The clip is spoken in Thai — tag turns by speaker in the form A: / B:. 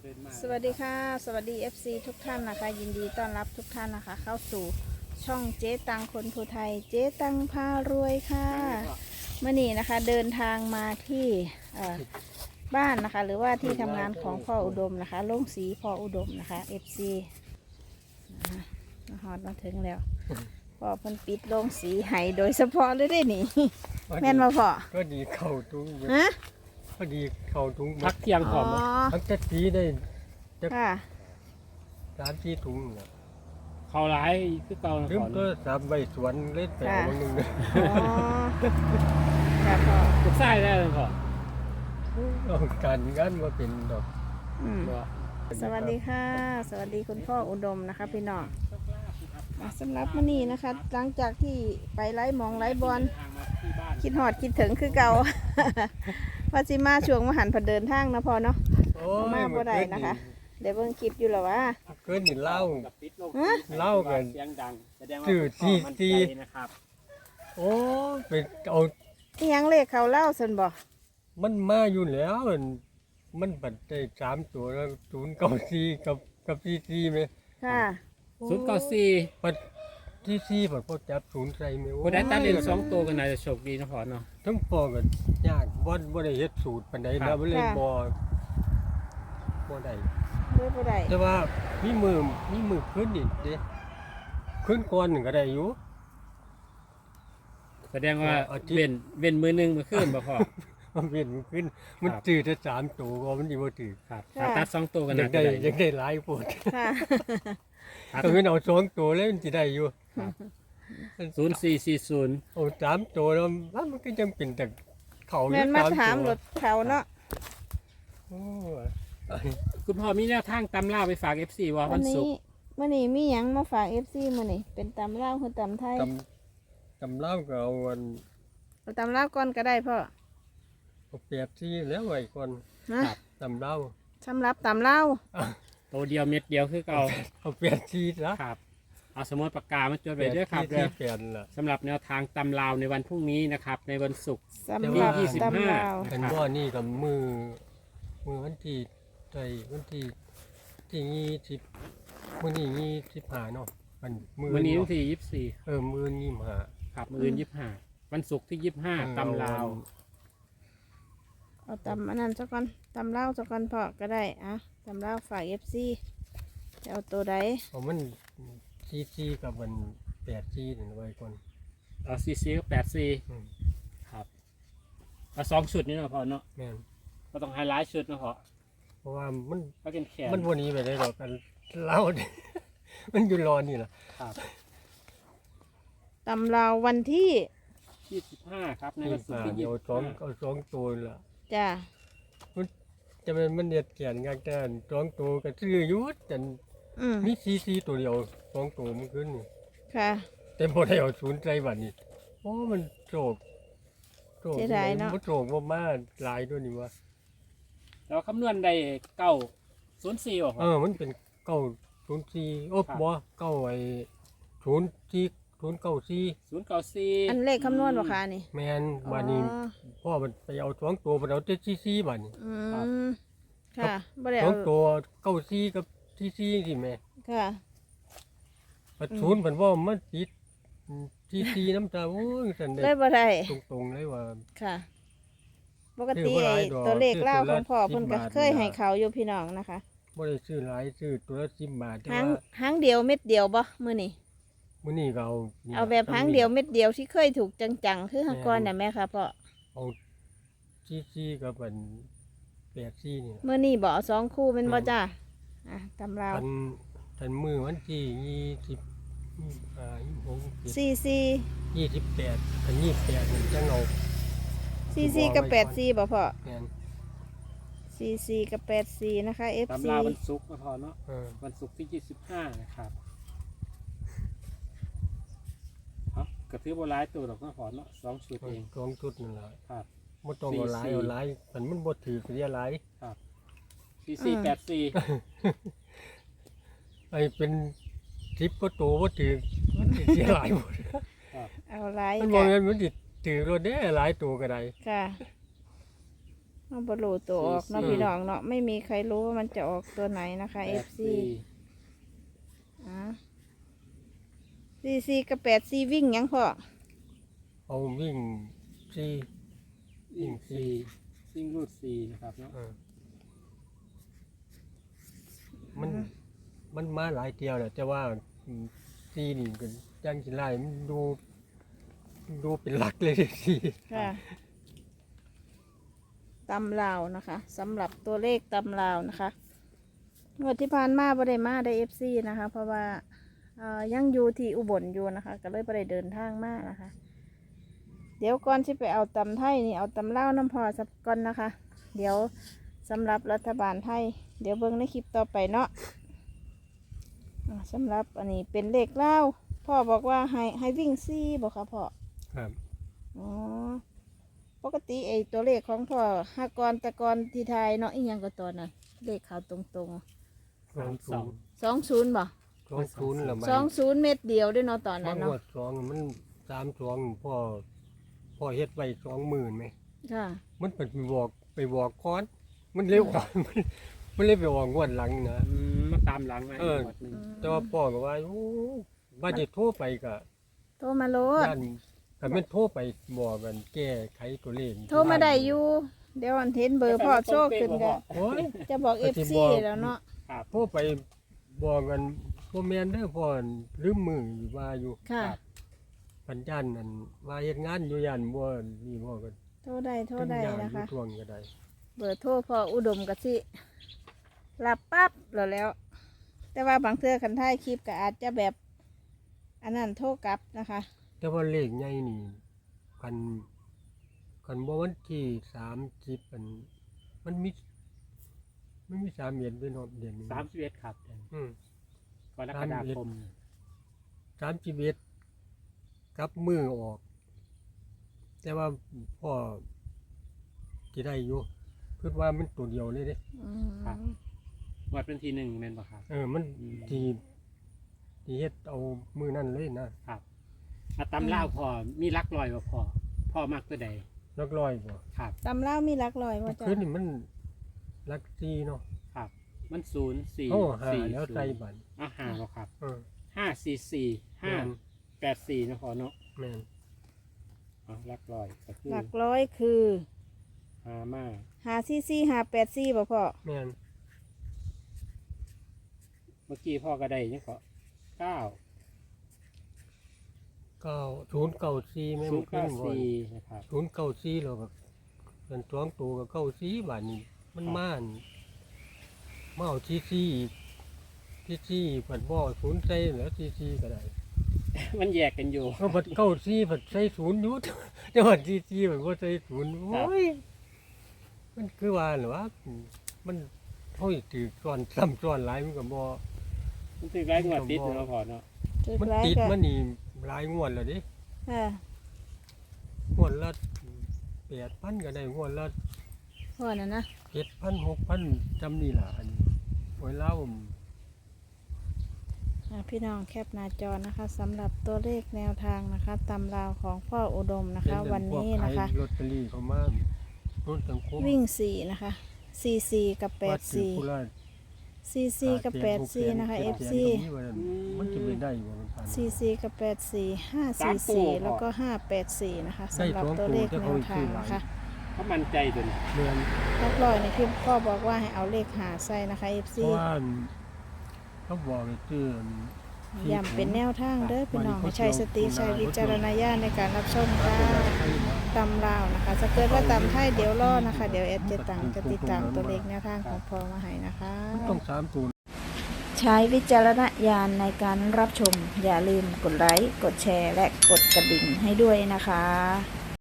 A: สวัสดีค่ะสวัสดี FC ทุกท่านนะคะยินดีต้อนรับทุกท่านนะคะเข้าสู่ช่องเจ๊ตังคนภูไทยเจ๊ตังพารวยค่ะเมื่อนี้นะคะเดินทางมาที่บ้านนะคะหรือว่าที่ทำงานของพ่ออุดมนะคะโรงสีพ่ออุดมนะคะ FC มาฮอดมาถึงแล้วพ่อเพิ่นปิดโรงสีให้โดยเฉพาะเลยได้หนิแม่นมาพ่อ
B: ก็ดีเข่าตุ้ง
A: ฮะ
B: ก็ดีเข่าตุ้ง
C: พักเที่ยงพร้อม
B: ทั้งจะสีได้
A: ค่ะ
B: 3-4ถุงน่ะ
C: เขาร้ายคือเก่า
B: ลืมก็3ใบสวนเล่นแต่วันนึง
A: อ๋อค่ะพ่อ
C: ลูกไส้ได้เลยพ่อ
B: เอาการงานมาเป็นดอก
A: อืม สวัสดีค่ะ สวัสดีคุณพ่ออุดมนะคะพี่น้องสำหรับวันนี้นะคะหลังจากที่ไปไล่มองไล่บอลคิดหอดคิดถึงคือเก่า ว่าสิมาช่วงมหันต์พเดินทางนะพ่อเนาะ
B: โอ้
A: มาบ่ได้นะคะ เดี๋ยวเบิ่งคลิปอยู่หรอวะ
B: เกินนี่เล่า
A: ฮะ
B: เล่ากัน
C: เสียงดังแสดงว่า
B: ชื่อ
C: พ่อมั่น
B: ที่
C: ใจนะครับ
B: โอ้ไปเอา
A: นี่ยังเลขเขาเล่าสันบ่
B: มันมาอยู่แล้วมันบัดได้3ตัวแล้ว094กับ44มั้ย
A: ค่ะ
C: 094
B: บัดที่4บัดพอจับ0ใส่มั้ย
C: คนได้ตัดเล่น2ตัวกันน่าจะโชคดีนะพ่อเนาะ
B: ทั้งปอก็ยากบ่ได้เฮ็ดสูตรปานใด
C: ครั
B: นะ
C: บ
B: มันเลยบ่ได้
A: ด้วยบ่ได้
B: แต่ว่ามีมือขึ้นนี่เด้ขึ้นก่อนหนึ่งก็ได้อยู่
C: แสดงว่า
B: อาทิตย์
C: เว้นมือหนึงมาขึ้นบ่พ่อ
B: มันเป็นมันขึ้น มัน
C: ครับ
B: จืดแต่3ตัวก็มันสิบ่ถือ
C: ครับถ้าตัด2ตัวกัน
B: อยา
C: น่าก จะ
B: ได้
C: ได้
B: อยากได้หลายโพด
A: ค่ะ
B: ถ้ามันเอา2ตัวแล้วมันสิได้อยู่
C: 0440
B: เอา3ตัวแล้วมันก็ยังเป็นแต่เขาอยู่
A: แม่นมา
B: 3
A: ถาม
B: ตัว
A: รถเขาเนาะ
B: โอ้
C: คุณพ่อมีแนวทางตำราไปฝาก FC ว่า
A: วั
C: วัน นศุ
A: นี้
C: กร์
A: วันนี้มีหยังมาฝาก FC มื้อนี้เป็นตำลาวคือตำไทย
B: ตำเล่าก็เอาวัน
A: เอาตำลาวก่อนก็ได้พ่อ
B: เอา8ที่แล้วไว้ก่อน
A: ฮะ
B: ตำเล่า
A: สำหรับตำลาว
C: ตัวเดียวเม็ดเดียวคือเก่า
B: เอา8ที่ซะ
C: ครับเอาสมุดปากกามาจดไว้ด้วยครับ
B: 8ที่
C: เด้อ
B: ที่แผ่นล่ะ
C: สำหรับแนวทางตำราวในวันพรุ่งนี้นะครับในวันศุกร์
A: สำหรับ
C: ที่25
A: ตำลาว
B: กันว่านี่กับมือวันที่ใจวันที่มื้อนี้25เนาะมันมือ
C: วันนี้วัน
B: เาะ
C: ที่24
B: มือ25
C: ครับมื้ออื่น25วันศุกร์ที่25ตำราว
A: เอาตำอันนั้นซะก่อนตำลาวซะก่อนพ่อก็ได้อะตำลาวฝาก FC จะเอาตัวใด
B: เอามันซีกับมัน8นี่ไว้ก่อน
C: เอา44กับ84
B: อืม
C: ครับเอา2ชุดนี่เนาะพอเนาะ
B: แม่น
C: ก็ต้องไฮไลท์ชุดเนาะพอ
B: เพราะว่ามัน
C: ก็เป็นแขน
B: มันวันนี้ไปได้ดอกกันเล่า มันอยู่รอนี่ล่ะ
C: ครับ
A: ตำลาววันที่
C: 25ครับในวันศุกร์ที่
B: เดี๋ยวเอา2ตัวล่ะ
A: จ้า
B: จะมันเด็ดแก่นงานแต่2ตัวก็ซื้ออยู่จัน มีซีตัวเดียว2ตัวมันขึ้นนี่
A: ค่ะ
B: แต่พอได้เอา0ใจบัดนี้โอ้มันโจก
A: เสียดายเนาะ
B: มันโจกบ่มาหลายตัวนี่วะ
C: แล้วคำนวณได้904บ่พอ
B: มันเป็น904โอ้
C: ครับ
B: บ่9ไอ้04094
C: 094
A: อันเลขคำนวณบ่คะนี่
B: แม่นบัดนี้
A: อ๋อ
B: พ่อมันไปเอา2ตัวมันเอาแต่44บัดนี้
A: อื
C: ครับ
A: มค่ะบ่ได้เอา
B: 2ตัว94กับ44สิแม่
A: ค่ะ
B: ปัดศูนย์เพิ่นว่ามันติด44น้ำตาโอ้ยซั่น
A: เล
B: ได้
A: ยบ่ได้
B: ตรงๆเลยว่า
A: ค่ะ ปกติ
B: ซื้อบ่หลาย
A: ไอ้
B: ดอก
A: ตัวเลขเล่า
B: ซื้
A: ข
B: อ
A: องพ่อ
B: ตัวละ
A: เพิ่นก็
B: 10บาท
A: เคยให้เขาอยู่พี่น้องนะคะ
B: บ่ได้ซื้อหลายซื้อตัวละ10บาทแต่
A: หาง
B: ว่า
A: หางเดียวเม็ดเดียวบ่มื้อนี้
B: มื้อนี้ก็เอานี่
A: เอาแบบหางเดียวเม็ดเดียวที่เคยถูกจังๆคือหางก่อนน่ะแม่ค่ะพ่อ
B: เอา44กับอัน84นี่ล่ะ
A: มื้อนี้บ่เอาสองคู่เป็นบ่จ้าอ่ะตำราว
B: ทันมือวันที่26
A: 44
B: 28อัน28มันจังเอา
A: 44กับ84บ่พ่อ
B: แม่น
A: 44กับ84นะคะ
C: ตำ
A: FC
C: ราวันศุกร์นะพอเนาะ
B: เออ
C: วันศุกร์ที่25นะครับครับกระทือบร้ายตัวดอกนะพอเนาะ2ชุดเอง
B: สองชุดนั่นล่ะ
C: ครับ
B: บ่ต้องเอาหลาย
C: 44
B: เอาหลายมันบ่ถือเสียหลาย
C: 4484
B: ไอ้เป็น10ก็โตบ่ถือมันสิเสียหลายหมด
A: เอาหลาย
B: มันบ่
A: กะ
B: แม่นมันสิถือรถเด้หลายตัวก็ได้
A: ค่ะเอาบรูตัวออกเนาะพี่น้องเนาะไม่มีใครรู้ว่ามันจะออกตัวไหนนะคะ FC ซีกับ8ซีวิ่งยังพ่อ
B: เอาวิ่งสี่
C: วิ่งสี่วิ่งรูดสี่นะครับเนาะ
B: มันมาหลายเที่ยวแหละแต่ว่าสี่นี่ก็ยังสิไล่มันดูเป็นหลักเลยสี่
A: ค่ะตำลาวนะคะสำหรับตัวเลขตำลาวนะคะงวดที่ผ่านมาบ่ได้มาได้ FC นะคะ เพราะว่ายังอยู่ที่อุบลอยู่นะคะ ก็เลยบ่ได้เดินทางมานะคะ เดี๋ยวก่อนที่ไปเอาตำไทยนี่เอาตำลาวน้ำพอสักก่อนนะคะ เดี๋ยวสำหรับรัฐบาลไทยเดี๋ยวเบิ่งในคลิปต่อไปเนาะสำหรับอันนี้เป็นเลขเล่าวพ่อบอกว่าให้วิ่งซี่บอกค่ะพ่อ
B: ครับ
A: อ๋อปกติไอ้ตัวเลขของพ่อหากรตะกรที่ไทยเนาะอีหยังก็ตัวนั้นเลขเขาตรง
B: 20
A: ๆ20บ่
B: 20แล้วมัน
A: 20เม็ดเดียวด้วยเนาะตอน
B: มั
A: นั้น
B: น
A: เนาะ
B: วด2มัน32พ่อเฮ็ดไว้20,000ไหม
A: ค่ะ
B: มันไปบอกก่อนมันเร็วกว่า มันเลยไปออกงวดหลังนะ
C: มาตามหลังไว้
B: เออ
C: หมดหนึ่ง
B: แต่ว่าพ่อก็ว่าโอ้ว่าจะโทรไปก็
A: โทรมาโลด
B: ย่านก็แม่นโทรไปบอกกันแก้ไขตัวเลข
A: โทรมาได้อยู่เดี๋ยวอันเห็นเบอร์พ่อโชคขึ้นกัน
B: โอ้ย
A: จะบอก
B: ก็สิ
A: FC
B: บอก
A: แล้วเนาะ
C: ครับ
B: โทรไปบอกกันบ่แม่นเด้อพ่อลืมมืออยู่ว่าอยู่
A: ค่ะ
B: ปัญญานนั่นว่าเฮ็ดงานอยู่ย่านบ่นี่บ่กัน
A: โทรได้โทรได้
B: ย่าน
A: นะ
B: อยู่
A: คะ
B: ทวงก็ได้
A: เบอร์โทรพออุดมกะสิรับปั๊บแล้ว แต่ว่าบางเทื่อคันท้ายคลิปก็อาจจะแบบอันนั้นโทรกลับนะคะ
B: แต่ว่าเลขใหญ่นี่คันบ่วันที่30มันมี3เดือนด้วยเนาะเดือนนี้
C: 31ครับเดือน
B: อืม
C: กรกฎาคม
B: 31กับมือออก แต่ว่าพ่อสิได้อยู่คิดว่ามันตัวเดียวเลยเด้
A: อืม
C: งวดเป็นทีหนึ่งแม่นบ่ครับ
B: มันสิเฮ็ดเอามือนั่นเลยนะครับ
C: อาตำล่าวพอมีรักลอยบ่พ่อมักตัวใด
B: นักร้อยบ่
C: ครับ
A: ตำเล่ามีหลักลอยว่าจ้ะ
B: คืนนี่มันลักซีเนาะ
C: ครับ มัน0 4
B: โอ้หา
C: 4
B: แล้วใจบัน
C: หาบ่ครับ
B: เออ
C: 5 4 4 5 8 4นะพอเนาะ
B: แม่น
C: รักลอยก็คือ
A: หลักร้อยคือ
C: หามา
A: 54 584บ่พ่อ
B: แม่น
C: เมื่อกี้พ่อก็ได้ยังก็9
B: 094แม่น
C: 0
B: ขึ้นบ่
C: 9 4นะครับ
B: 094แล้วก็เป็น2ตัวก็94บาทนี่มันมาเอาซีอีกผัดบ่ศูนย์ใส่แล้วซีก็ได้
C: มันแยกกันอยู่
B: ก็ผัด94ผัดใส่ศูนย์อยู่ แต่ว่าซีมันบ่ใส่ศูนย์โอ้ยมันคือว่าเหรอวะมันเฮาสิถือซ้อนซ้ำซ้อนหลายมันก็บ่
C: มันถึงไรงวดติดเนาะพอเนาะ
A: จุด
B: มัน
A: ไล
B: ติด
A: ก็
B: มันนี่หลายงวดแล้วดิ
A: ค่ะ
B: งวดละ8,000ก็ได้งวดละ
A: พ่อน่ะนะ
B: 7,000 6,000จำนี่ล่ะอันโอ้ยเล่า
A: พี่น้องแคปหน้าจอนะคะสำหรับตัวเลขแนวทางนะคะตำราวของพ่ออุดมนะคะ วันนี้นะคะ
B: ลอตเตอรี่เขามารถสังคม
A: วิ่ง4นะคะ44กับ
B: วัดถือผู้
A: 84
B: ละ
A: 44กับ84นะคะ FC
B: มันจะไม่ได้อยู่มันผ่าน
A: 44กับ84 544แล้วก็584นะคะสำหรับตัวเลขแนวทางนะคะ
C: เขามั่นใจตัวนี้
B: เมือน
A: นักลอยในคลิปพ่อบอกว่าให้เอาเลขหาใส่นะคะ FC
B: เพราะว่าเขาบอกให้ซื้อ
A: ย้ำเป็นแนวทางเด้อพี่น้องให้ใช้สติใช้วิจารณญาณในการรับชมค่ะตำลาวนะคะจะเกิดว่าตำไทยเดี๋ยวรอนะคะ เดี๋ยวแอดจะติดตามตัวเลขแนวทางของพ่อมาให้นะคะ
B: ต้อง3ตัว
A: ใช้วิจารณญาณในการรับชม อย่าลืมกดไลค์ กดแชร์ และกดกระดิ่งให้ด้วยนะคะ